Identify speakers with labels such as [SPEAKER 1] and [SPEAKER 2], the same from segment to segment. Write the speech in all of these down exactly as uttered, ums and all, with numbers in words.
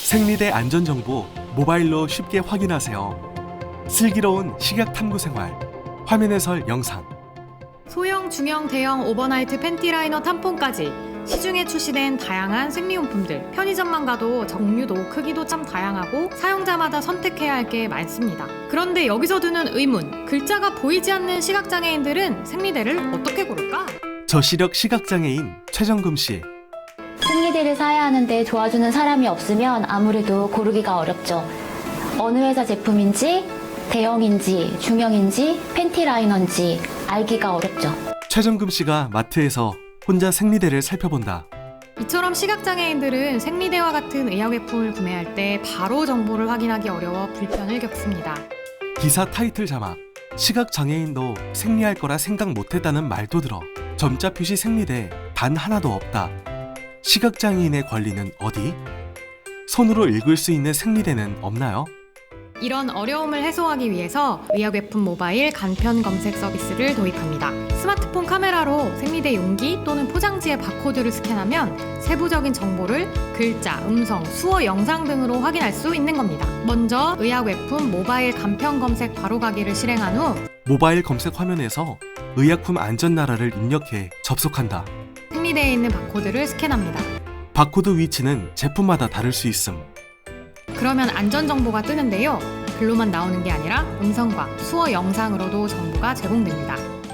[SPEAKER 1] 생리대 안전정보 모바일로 쉽게 확인하세요. 슬기로운 식약 탐구 생활 화면 해설 영상.
[SPEAKER 2] 소형, 중형, 대형 오버나이트 팬티 라이너 탐폰까지 시중에 출시된 다양한 생리용품들. 편의점만 가도 종류도 크기도 참 다양하고 사용자마다 선택해야 할 게 많습니다. 그런데 여기서 드는 의문, 글자가 보이지 않는 시각장애인들은 생리대를 어떻게 고를까?
[SPEAKER 1] 저시력 시각장애인 최정금 씨.
[SPEAKER 3] 생리대를 사야 하는데 도와주는 사람이 없으면 아무래도 고르기가 어렵죠. 어느 회사 제품인지, 대형인지, 중형인지, 팬티 라이너인지 알기가 어렵죠.
[SPEAKER 1] 최정금 씨가 마트에서 혼자 생리대를 살펴본다.
[SPEAKER 2] 이처럼 시각장애인들은 생리대와 같은 의약외품을 구매할 때 바로 정보를 확인하기 어려워 불편을 겪습니다.
[SPEAKER 1] 기사 타이틀 자막. 시각장애인도 생리할 거라 생각 못했다는 말도 들어. 점자 표시 생리대 단 하나도 없다. 시각장애인의 권리는 어디? 손으로 읽을 수 있는 생리대는 없나요?
[SPEAKER 2] 이런 어려움을 해소하기 위해서 의약외품 모바일 간편 검색 서비스를 도입합니다. 스마트폰 카메라로 생리대 용기 또는 포장지의 바코드를 스캔하면 세부적인 정보를 글자, 음성, 수어, 영상 등으로 확인할 수 있는 겁니다. 먼저 의약외품 모바일 간편 검색 바로가기를 실행한 후
[SPEAKER 1] 모바일 검색 화면에서 의약품 안전나라를 입력해 접속한다.
[SPEAKER 2] 생리대에 있는 바코드를 스캔합니다.
[SPEAKER 1] 바코드 위치는 제품마다 다를 수 있음.
[SPEAKER 2] 그러면 안전정보가 뜨는데요. 글로만 나오는 게 아니라 음성과 수어 영상으로도 정보가 제공됩니다.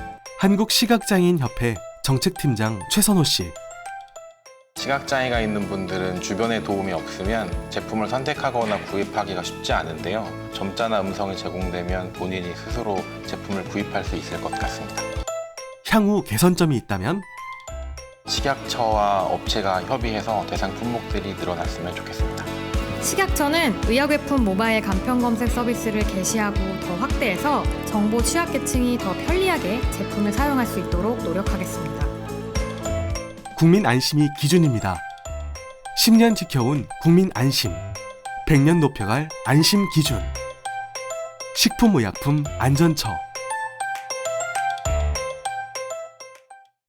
[SPEAKER 1] 한국시각장애인협회 정책팀장 최선호 씨.
[SPEAKER 4] 시각장애가 있는 분들은 주변의 도움이 없으면 제품을 선택하거나 구입하기가 쉽지 않은데요. 점자나 음성이 제공되면 본인이 스스로 제품을 구입할 수 있을 것 같습니다.
[SPEAKER 1] 향후 개선점이 있다면?
[SPEAKER 4] 식약처와 업체가 협의해서 대상 품목들이 늘어났으면 좋겠습니다.
[SPEAKER 2] 식약처는 의약외품 모바일 간편 검색 서비스를 개시하고 더 확대해서 정보 취약계층이 더 편리하게 제품을 사용할 수 있도록 노력하겠습니다.
[SPEAKER 1] 국민 안심이 기준입니다. 십 년 지켜온 국민 안심. 백 년 높여갈 안심 기준. 식품의약품 안전처.